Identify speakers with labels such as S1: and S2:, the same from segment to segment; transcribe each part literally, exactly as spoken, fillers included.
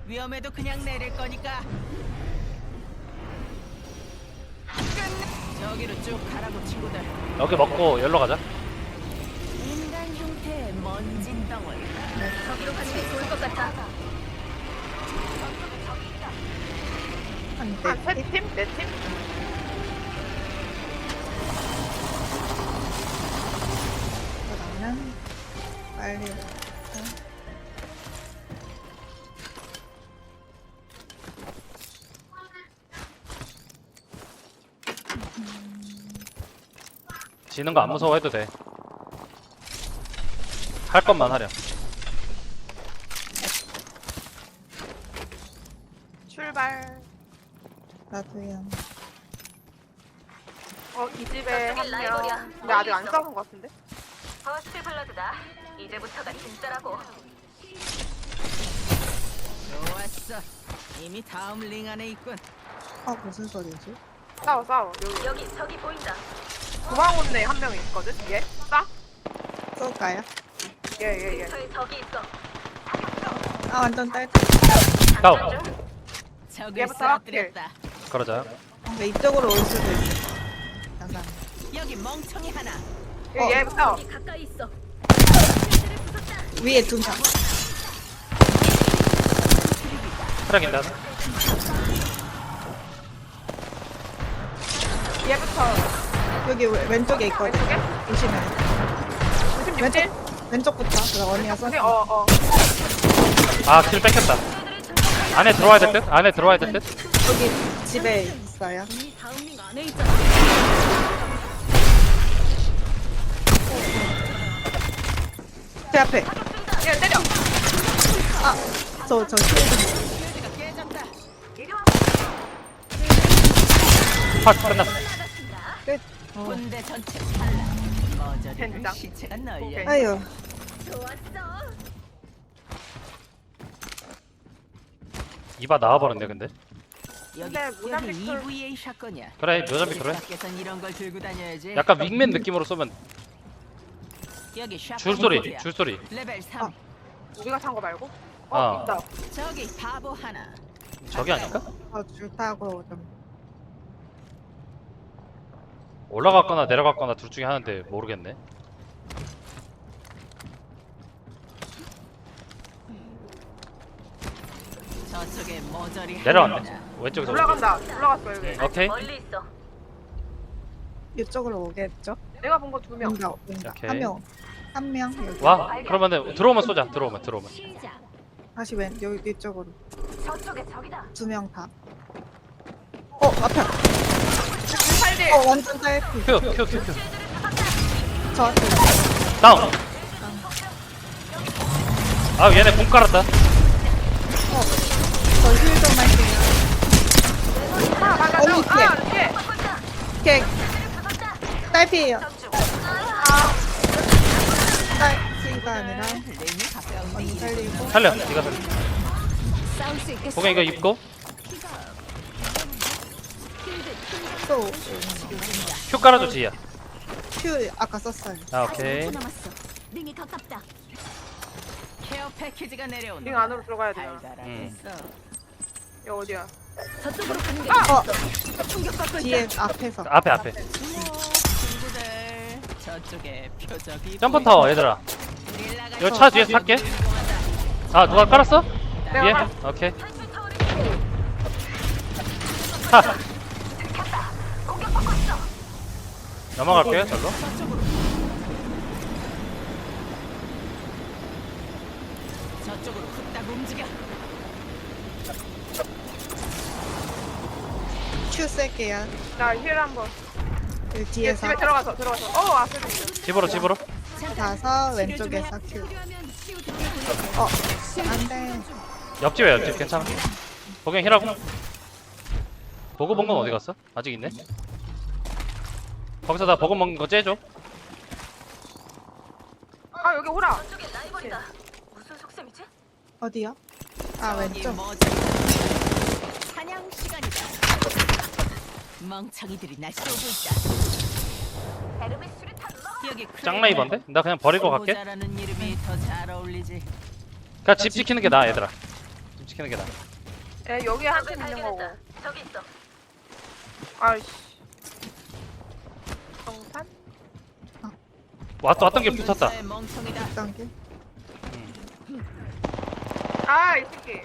S1: 위험해도 그냥 내릴 거니까. 끝내. 저기로 쭉 가라고 친구들.
S2: 여기 먹고 열로 가자.
S1: 인간 형태의 먼진 덩어리. 저기로 가는 게 좋을 것 같아.
S3: 한
S4: 한
S3: 대.
S4: 세 팀? 네 팀?
S3: 그러면 빨리 와서.
S2: 지는 거 안 무서워해도 돼. 할 것만 하렴.
S4: 출발.
S3: 나도요.
S4: 어, 이 집에 한 명. 근데 아직 안 싸운 것 같은데?
S5: 버스트 블러드다. 이제부터가 진짜라고.
S1: 좋았어. 이미 다음 링 안에 있군.
S3: 아 무슨 소리지?
S4: 싸워, 싸워. 여기.
S5: 여기 저기 보인다.
S4: 도망온 애 한 명 있거든? 얘? 싸?
S3: 쏠까요?
S4: 얘, 얘, 얘.
S5: 저기 저기 있어.
S3: 아 완전 딸.
S2: 다운.
S1: 적을
S4: 얘부터
S1: 쓰러뜨렸다.
S2: 그러자.
S3: 근데 이쪽으로 올 수도 있어. 잠깐.
S1: 여기 멍청이 하나.
S4: 얘,
S3: 어.
S4: 얘부터.
S5: 여기 가까이 있어.
S3: 위에 두 명.
S2: 트랙인다.
S4: 얘부터.
S3: 여기 왼- 왼쪽에 있거든.
S4: 왼쪽에?
S3: 조심해.
S4: 오십육 킬?
S3: 왼쪽부터. 그럼 언니가 쏘.
S4: 오케이, 어, 어.
S2: 아, 킬 뺏겼다. 안에 들어와야 될 듯? 안에 들어와야 될 듯?
S3: 여기 집에 있어요.
S5: 이 다음 링 안에 있잖아.
S3: 제 앞에.
S4: 얘 때려.
S3: 저 저 쉴드.
S1: 쉴드가 깨졌다.
S2: 팍, 끝났어.
S1: 군대 전체 탈락. 머저리를
S4: 젠장.
S1: 시체가 널려.
S4: 오케이.
S3: 아유.
S5: 좋았어.
S2: 이봐 나와버렸네, 근데.
S1: 여기
S4: 근데
S1: 여기
S4: 무장 피스톨-
S1: 이브이에이 샷건이야.
S2: 그래, 묘자비 그래.
S1: 밖에선 이런 걸 들고 다녀야지.
S2: 약간 윙맨 느낌으로 쏘면
S1: 여기 샷건
S2: 줄소리,
S1: 모드야.
S2: 줄소리.
S1: 레벨 삼.
S3: 아.
S4: 우리가 탄 거 말고? 어,
S2: 아.
S4: 있다.
S1: 저기 바보 하나.
S2: 저기 아닐까?
S3: 저줄 타고 좀.
S2: 올라갔거나 내려갔거나 둘 중에 하나인데 모르겠네.
S1: 저쪽에 머저리
S2: 내려왔네.
S1: 하나.
S2: 왼쪽에서.
S4: 올라간다. 올라갔어, 여기.
S2: 오케이.
S5: 멀리 있어.
S3: 이쪽으로 오겠죠?
S4: 내가 본 거 두 명.
S3: 온다 온다.
S2: 오케이.
S3: 한 명. 한 명. 여기.
S2: 와, 그러면은 들어오면 쏘자. 들어오면 들어오면.
S5: 시작.
S3: 다시 왼 여기 이쪽으로.
S5: 저쪽에 적이다.
S3: 두 명 다. 어 앞에.
S4: 팔 딜.
S3: 어 완전 딸피.
S2: 큐, 큐, 큐, 큐.
S3: 저 앞에.
S2: 다운. 아, 얘네 공 깔았다.
S3: 저 힐 좀 할게요.
S4: 하나 맞아.
S3: 언니 뒤에.
S4: 아, 뒤에.
S3: 오케이. 딸피예요. 딸피가 아니라
S1: 링이 가까운데
S3: 언니
S1: 이리
S3: 살리고.
S2: 살려, 네가 살려.
S1: 싸울 수 있겠어.
S2: 공에 이거 입고
S3: 또
S2: 큐 깔아줘, 지희야.
S3: 큐 아까 썼어요.
S2: 아, 오케이.
S5: 남았어. 링이 가깝다.
S1: 케어 패키지가 내려온다.
S4: 링 안으로 들어가야 되나?
S1: 달달하겠어.
S4: 얘 어디야?
S5: 저쪽으로 가는 게
S3: 어
S5: 충격받고
S3: 뒤에
S5: 있다.
S3: 앞에서.
S2: 앞에, 앞에.
S1: 친구들 저쪽에 표적이
S2: 점프 타워, 얘들아. 이거 차 뒤에서 탈게. 아, 누가 깔았어?
S4: 내가
S2: 위에?
S4: 깔았어.
S2: 오케이. 하. 넘어갈게요, 절로.
S1: 저쪽으로 훅딱 움직여.
S3: 큐 쓸게요.
S4: 나 힐 한번.
S3: 여기
S4: 얘
S3: 뒤에서
S4: 집에 들어가서, 들어가서. 어, 앞에 있어.
S2: 집으로, 집으로.
S3: 가서 왼쪽에서 큐. 어 안돼.
S2: 옆집에 옆집 괜찮아. 보경 힐하고. 보고 본 건 어디 갔어? 아직 있네. 거기서 나 보고 먹는 거 째줘.
S4: 아, 여기 호라.
S5: 저쪽에 라이벌이다. 무슨 속셈이지?
S3: 어디요? 아
S1: 저기
S3: 왼쪽.
S1: 머저리. 사냥 시간이다. 멍청이들이 날 쏘고 있다.
S5: 에르메 수류탄 넣어.
S1: 여기
S2: 짱라이버인데? 나 그냥 버리고 갈게.
S1: 잘하는 이름이 더 잘 어울리지.
S2: 그냥 집 지키는 게 나아, 얘들아. 지키는 게 나아.
S4: 에 여기에 한 팀 있는 거고.
S5: 저기 있어.
S4: 아이씨. 정산?
S2: 왔, 왔던 게 붙었다.
S1: 군사의 멍청이다.
S3: 어떤 게?
S4: 아, 이 새끼.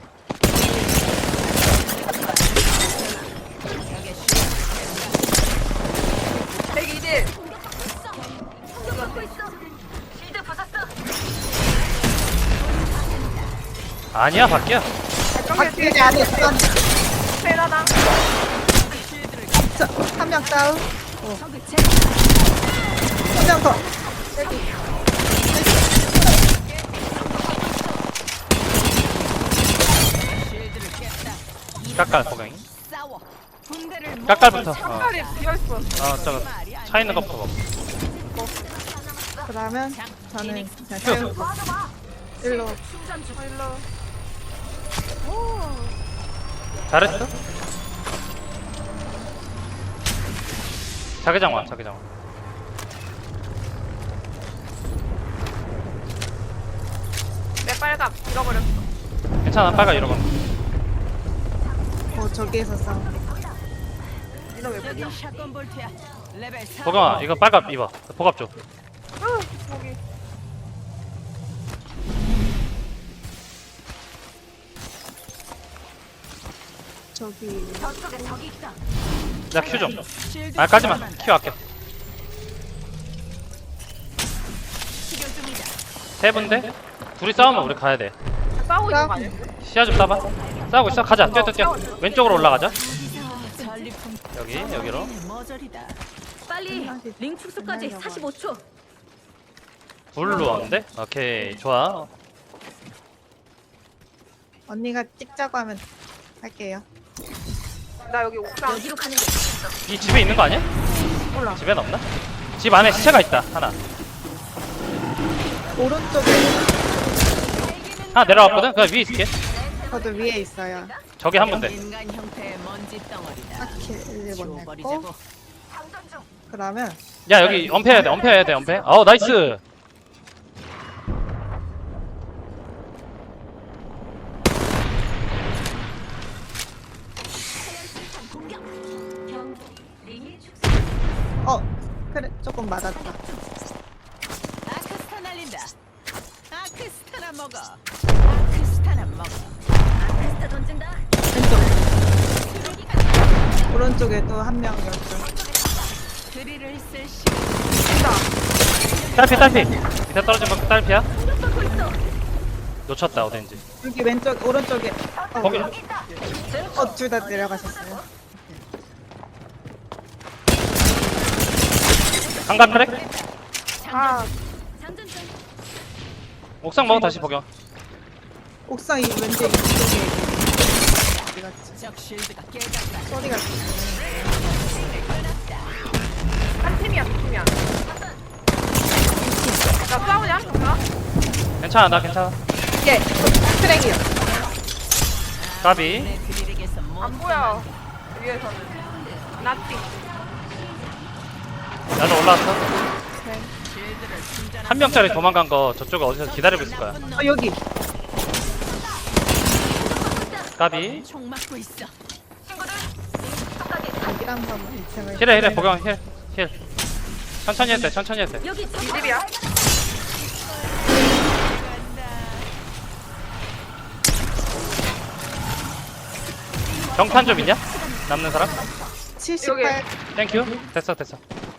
S4: 백이 딜.
S5: 공격받고 있어. 실드 부쉈어.
S2: 아니야, 밖이야.
S3: 밖에 안에 있어.
S4: 페라당.
S3: 한 명 다운.
S1: 저기 제
S3: 한 명 더.
S1: 실드를 깼다.
S2: 깎아, 보경이.
S1: 싸워. 군대를
S2: 깎아부터. 어,
S4: 팔이 비어있어.
S2: 어 저거 차 있는 것부터 먹어.
S3: 그러면 저는 그냥 태우고 일로.
S4: 일로.
S2: 잘했어? 자기장 와, 자기장 와.
S4: 내 빨갑 잃어버렸어.
S2: 괜찮아, 빨가 이러고.
S3: 어 저기에서 싸우네.
S4: 니는 왜
S1: 여기
S4: 보냐?
S1: 샷건 볼트야. 레벨 사.
S2: 보경아, 이거 빨갑 입어. 보갑 줘.
S4: 으, 여기.
S3: 저기
S5: 저쪽에 적이 있다.
S2: 나 큐 좀.
S1: 실드
S2: 아, 까지마.
S1: 충전한다.
S2: 큐 아껴.
S1: 치료 중이다.
S2: 세 분데? 둘이 싸우면 우리 가야 돼.
S4: 싸우고 있는 거
S3: 싸우고
S4: 아니야?
S2: 시야 좀 따봐. 싸우고 있어. 가자. 뛰어, 뛰어, 뛰어. 왼쪽으로 올라가자.
S1: 전리품
S2: 여기, 여기로.
S1: 머저리다.
S5: 빨리 링 축소까지 사십오 초.
S2: 둘로 왔는데? 오케이, 좋아.
S3: 언니가 찍자고 하면 할게요.
S4: 나 여기 옥상.
S5: 여기로 가는 게 좋겠어.
S2: 이 집에 있는 거 아니야?
S4: 몰라.
S2: 집엔 없나? 집 안에 시체가 있다. 하나.
S3: 오른쪽에
S2: 하나 내려왔거든? 그 위에 있을게.
S3: 저도 위에 있어요.
S2: 저기 한 분데.
S1: 인간 형태의 먼지 덩어리다.
S3: 딱히 일본 냈고.
S1: 지워버리자고.
S3: 그러면
S2: 야, 여기 엄폐해야 돼. 엄폐해야 돼. 엄폐. 어우, 나이스.
S3: 어 그래 조금 맞았다.
S1: 아크스타 날린다. 아크스타나 먹어. 아크스타나 먹어.
S5: 아크스타 던진다.
S3: 왼쪽 오른쪽에 또 한 명 여기.
S1: 드릴을 쓸 시간.
S2: 딸피, 딸피. 밑에 떨어진 거 딸피야?
S5: 공격받고 있어.
S2: 놓쳤다, 어딘지.
S3: 여기 왼쪽 오른쪽에
S2: 거기.
S3: 어둘 다 내려가셨어요.
S2: 한간 트랙?
S4: 아,
S5: 장전 중.
S2: 옥상 먹어, 다시 복용.
S3: 옥상 이 왼쪽 이쪽에 어디 갔지?
S1: 적 실드가 깨졌다.
S3: 소리가
S4: 한 팀이야, 두 팀이야. 나 싸우냐? 정말?
S2: 괜찮아, 나 괜찮아.
S3: 예 트랙이요.
S2: 까비.
S1: 내 드릴에게서 못
S4: 안 보여. 위에서는. 나띵.
S2: 나도 올라왔어.
S1: 실드를 충전한
S2: 한 명짜리 도망간 거 저쪽에 어디서 기다리고 있을 거야.
S3: 어 여기
S2: 까비.
S1: 총 맞고 있어.
S3: 여기 한번 이 층을.
S2: 힐해, 힐해, 복용, 힐. 힐. 천천히 해도 돼, 천천히 해도 돼.
S5: 여기
S4: 이
S5: 적.
S4: 집이야.
S2: 경탄 좀 있냐? 남는 사람?
S3: 칠십팔.
S2: 땡큐. 됐어, 됐어.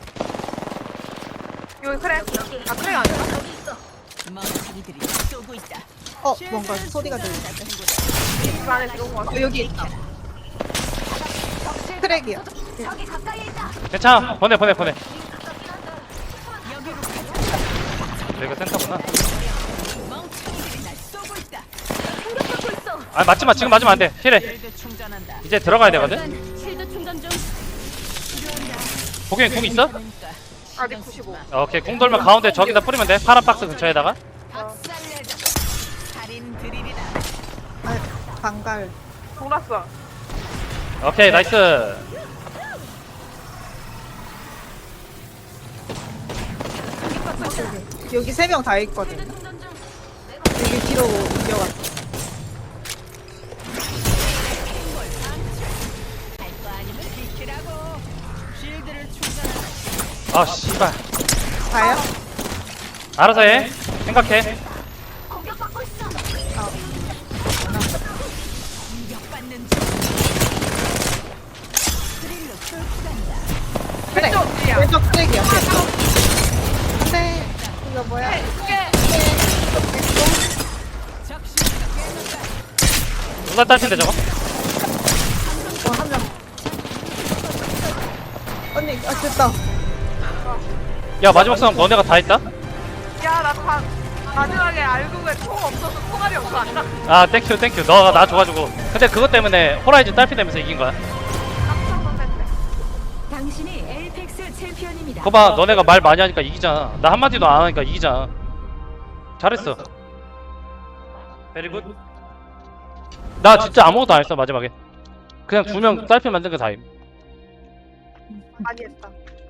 S4: 여기 그래. 아, 그래 아니야?
S5: 여기 있어.
S1: 멍청이들이 쏘고 있다.
S3: 어 뭔가 소리가 들린다.
S4: 집 안에 들어온 거 같아.
S3: 어 여기 있다. 트랙이요.
S5: 저기 가까이에 있다.
S2: 괜찮아. 보내, 보내, 보내.
S5: 가깝긴 한데.
S1: 여기로 가자.
S2: 여기가 센터구나.
S1: 멍청이들이 날 쏘고 있다.
S5: 공격받고 있어.
S2: 아, 맞지 마. 지금 맞으면 안 돼. 힐해.
S1: 실드 충전한다.
S2: 이제 들어가야 되거든?
S5: 잠깐 실드 충전 중.
S2: 복용이 궁 있어?
S1: 그러니까
S4: 아직 구십오.
S2: 오케이. 궁 돌면 가운데 저기다 뿌리면 돼. 파란 박스 근처에다가.
S1: 박살내자. 살인 드릴이다.
S3: 아 방갈.
S4: 돌았어.
S2: 오케이, 나이스.
S3: 여기 세 명 다 있거든.
S5: 실드 충전 중.
S3: 여기 뒤로 옮겨갔어.
S2: 아 씨발.
S3: 가요?
S2: 알아서 해. 생각해.
S5: 공격받고 있어.
S1: 공격받는 중. 스릴로 뚫고 간다.
S3: 그래.
S4: 왼쪽 뒤야.
S3: 왼쪽 쓰레기야. 안돼. 이거 뭐야?
S1: 적시가 깨졌다.
S2: 누가 딸핀데 저거?
S3: 어, 한 명. 언니, 아, 됐다.
S2: 야 마지막 싸움 너네가 다 했다?
S4: 야나 다 마지막에 알고 왜 총 없어서 총알이 없어 안 나.
S2: 아 땡큐 땡큐 너가 나 줘가지고. 근데 그것 때문에 호라이즌 딸피되면서 이긴 거야.
S4: 깜짝 놀랐네.
S1: 당신이 에이펙스 챔피언입니다.
S2: 거봐 너네가 말 많이 하니까 이기잖아. 나 한마디도 안 하니까 이기잖아. 잘했어. 베리굿. 나 진짜 아무것도 안 했어 마지막에. 그냥 두 명 딸피 만든 게 다임.
S4: 많이 했다.